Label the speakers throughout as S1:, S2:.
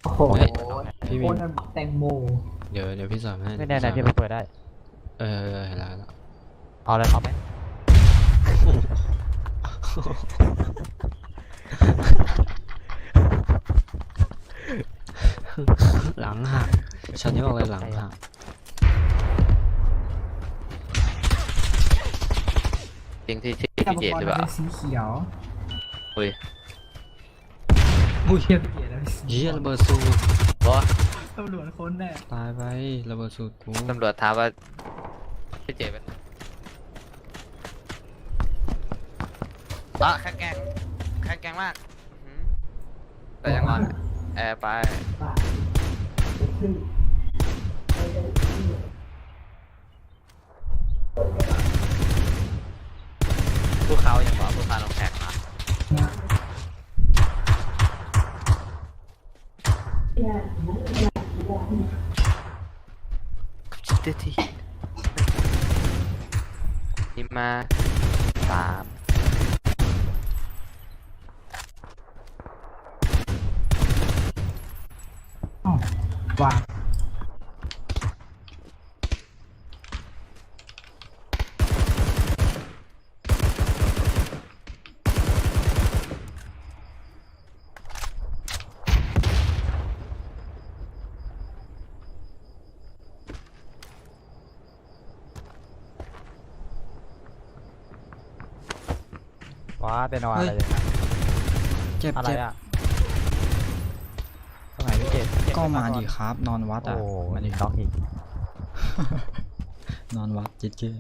S1: โอ้โห
S2: พี่
S1: โค
S2: มี
S1: ตรแตงโม
S2: เดี๋ยวพี่สอนให้
S3: ไม่แน่นะพี่ไปเปิดได้
S2: เห็นแล้ว
S3: เอาเลยเอาไหม
S2: หลังหักฉันนี่บอกเลยหลังหัก
S4: จริงที่
S1: แต่
S4: พี่เจดหรือเปล่า
S1: เป็นสีเขียว
S4: อุ้ย
S1: มูเขียวเขียวแล้ว
S2: เยี่ยระเบิดสูตร
S4: บอส
S1: ตำรวจคนแน่
S2: ตายไประเบิดสูตรกู
S4: ตำรวจถามว่าพี่เจดเป็นแข็งแกร่งมากแต่ยังงอนแอร์ไปภูเขาอย่างว่าภูเขาลงแข็งมาที่นี่มา3
S1: อ๋อว่าง
S3: ว้าเป็นอะไรเลยนะ
S2: เจ็บ
S3: อะไร
S2: เจ็บ
S3: อะตรงไหนพี่เจ็บ
S2: ก็มาดิครับ นอนวัด
S3: โอ้
S2: อ่ะมาดิ
S3: น็อกอีก
S2: นอนวัดเจ๊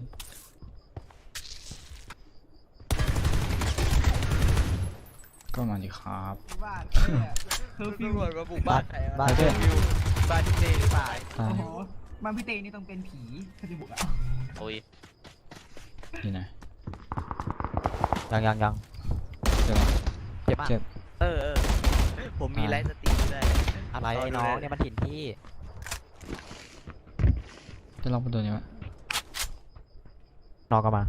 S2: ก็มาดิครับ
S1: บ้านเฮ้ยฟิว
S4: ตำรวจมาบุกบ้าน
S3: บ้านเพื่อน
S4: บ้านที่เจหรือเปล่า
S2: ตาย
S1: โอ้โหบ้านพี่เตนี่ต้องเป็นผีเขาจะบุกอ่ะ
S4: โอ้ย
S2: อยู่ไหน
S3: ยัง
S2: เจ็บปะ
S3: เจ็บมาก
S2: เจ็บ
S4: ผมมีไลฟ์สตรีมด้วย
S3: อะไรไอ้น้องเนี่ยมันถิ่นที่
S2: จะลองไปตัวนี้วะ
S3: น้องก็มา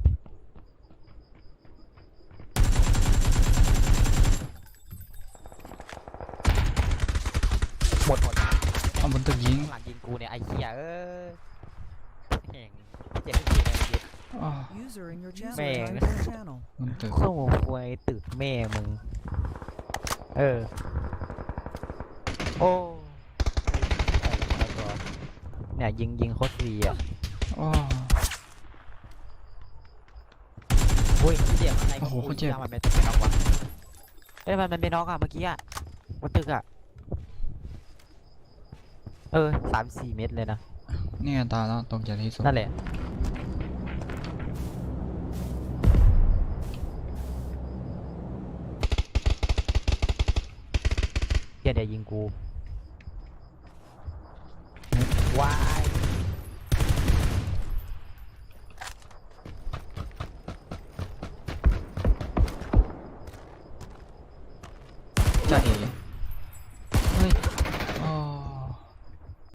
S3: หมด
S2: เอาบนตึกยิง
S3: ข้างหลังยิงกูเนี่ยไอ้เหี้ยแห่งเจ็บที่ไหนเจ็บ
S2: อ้อ
S5: User in your channel.
S3: Man.
S5: Timed your channel.
S2: บนตึก
S3: โซ่ควยตึกแม่มึงโอ้เนี่ยยิงโคตรดีอ่ะ
S2: อ้อ
S3: อุ้ยเจ็บอะไร
S2: โอ้โหโคตรเจ็บ
S3: มันเป็นน็อกวะมันเป็นน็อกอ่ะเมื่อกี้อ่ะบนตึกอ่ะ3-4 เมตรเลยนะ
S2: นี่ไงตายแล้วตกใจที่สุด
S3: นั่นแหละเดี๋ยวยิงกูว้าย
S2: จะเอ๋